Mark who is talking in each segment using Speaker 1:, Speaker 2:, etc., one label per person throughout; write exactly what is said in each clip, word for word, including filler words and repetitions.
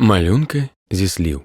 Speaker 1: Малюнки зі слів.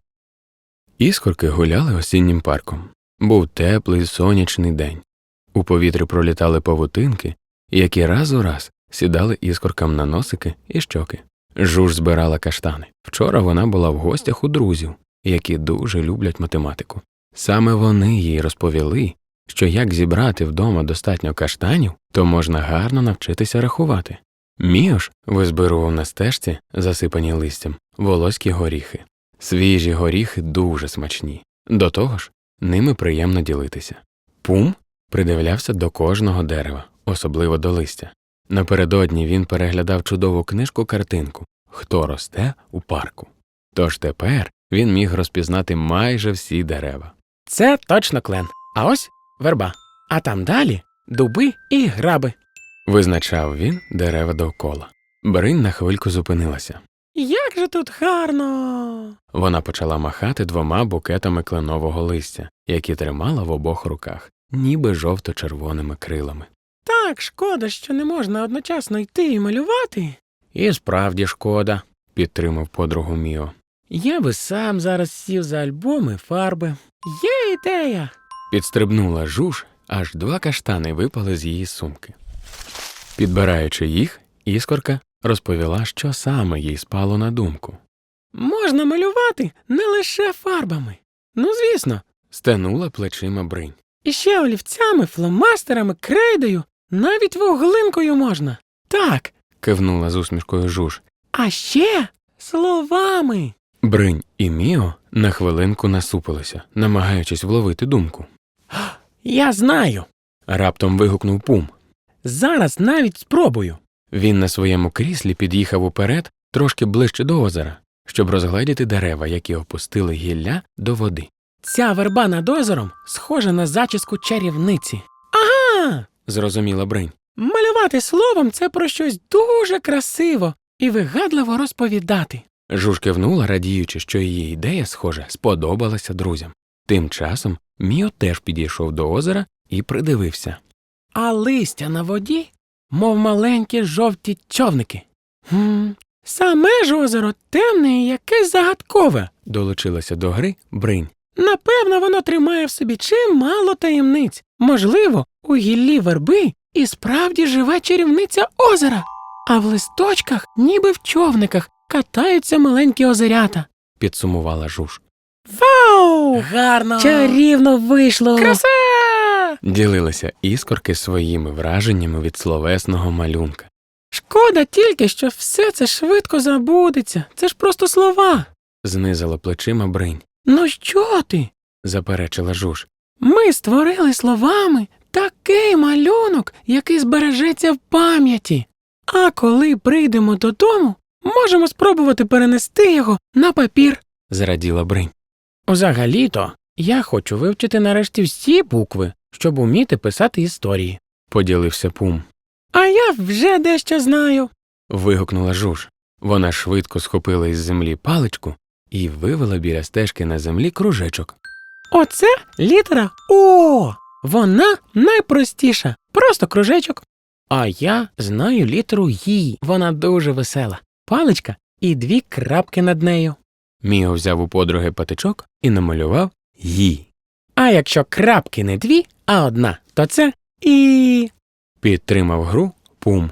Speaker 1: Іскорки гуляли осіннім парком. Був теплий сонячний день. У повітрі пролітали павутинки, які раз у раз сідали іскоркам на носики і щоки. Жуж збирала каштани. Вчора вона була в гостях у друзів, які дуже люблять математику. Саме вони їй розповіли, що як зібрати вдома достатньо каштанів, то можна гарно навчитися рахувати. Міо ж визбирував на стежці, засипані листям, волоські горіхи. Свіжі горіхи дуже смачні. До того ж, ними приємно ділитися. Пум придивлявся до кожного дерева, особливо до листя. Напередодні він переглядав чудову книжку-картинку «Хто росте у парку». Тож тепер він міг розпізнати майже всі дерева.
Speaker 2: Це точно клен. А ось верба. А там далі дуби і граби.
Speaker 1: Визначав він дерева довкола. Бринь на хвильку зупинилася.
Speaker 2: Як же тут гарно!
Speaker 1: Вона почала махати двома букетами кленового листя, які тримала в обох руках, ніби жовто-червоними крилами.
Speaker 2: Так, шкода, що не можна одночасно йти і малювати. І справді шкода,
Speaker 1: підтримав подругу Міо.
Speaker 2: Я би сам зараз сів за альбоми фарби. Є ідея!
Speaker 1: Підстрибнула Жуж, аж два каштани випали з її сумки. Підбираючи їх, іскорка розповіла, що саме їй спало на думку.
Speaker 2: Можна малювати не лише фарбами. Ну, звісно.
Speaker 1: Стенула плечима Бринь.
Speaker 2: І ще олівцями, фломастерами, крейдою, навіть вуглинкою можна. Так.
Speaker 1: Кивнула з усмішкою Жуж.
Speaker 2: А ще словами.
Speaker 1: Бринь і Міо на хвилинку насупилися, намагаючись вловити думку.
Speaker 2: Я знаю.
Speaker 1: Раптом вигукнув Пум.
Speaker 2: Зараз навіть спробую.
Speaker 1: Він на своєму кріслі під'їхав уперед, трошки ближче до озера, щоб розгледіти дерева, які опустили гілля до води.
Speaker 2: Ця верба над озером схожа на зачіску чарівниці. Ага!
Speaker 1: Зрозуміла Бринь.
Speaker 2: Малювати словом – це про щось дуже красиво і вигадливо розповідати.
Speaker 1: Жуж кивнула, радіючи, що її ідея, схоже, сподобалася друзям. Тим часом Міо теж підійшов до озера і придивився.
Speaker 2: А листя на воді, мов маленькі жовті човники. Хм, саме ж озеро темне і якесь загадкове,
Speaker 1: долучилася до гри Бринь.
Speaker 2: Напевно, воно тримає в собі чимало таємниць. Можливо, у гіллі верби і справді живе чарівниця озера, а в листочках, ніби в човниках, катаються маленькі озерята.
Speaker 1: Підсумувала Жуж.
Speaker 2: Вау!
Speaker 3: Гарно!
Speaker 2: Чарівно вийшло!
Speaker 3: Краса!
Speaker 1: Ділилися іскорки своїми враженнями від словесного малюнка.
Speaker 2: Шкода тільки, що все це швидко забудеться. Це ж просто слова.
Speaker 1: Знизила плечима Бринь.
Speaker 2: Ну що ти?
Speaker 1: Заперечила Жуж.
Speaker 2: Ми створили словами такий малюнок, який збережеться в пам'яті. А коли прийдемо додому, можемо спробувати перенести його на папір.
Speaker 1: Зраділа Бринь.
Speaker 2: Взагалі-то, я хочу вивчити нарешті всі букви, щоб уміти писати історії.
Speaker 1: Поділився Пум.
Speaker 2: А я вже дещо знаю.
Speaker 1: Вигукнула Жуж. Вона швидко схопила із землі паличку і вивела біля стежки на землі кружечок.
Speaker 2: Оце літера О. Вона найпростіша. Просто кружечок. А я знаю літеру Й. Вона дуже весела. Паличка і дві крапки над нею.
Speaker 1: Міо взяв у подруги патичок і намалював «Ї».
Speaker 2: А якщо крапки не дві, а одна, то це І.
Speaker 1: Підтримав гру Пум.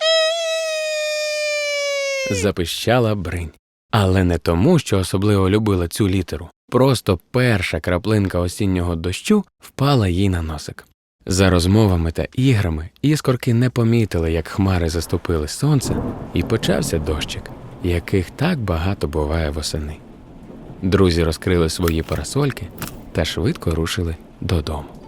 Speaker 1: Запищала Бринь. Але не тому, що особливо любила цю літеру. Просто перша краплинка осіннього дощу впала їй на носик. За розмовами та іграми іскорки не помітили, як хмари заступили сонце, і почався дощик, яких так багато буває восени. Друзі розкрили свої парасольки та швидко рушили додому.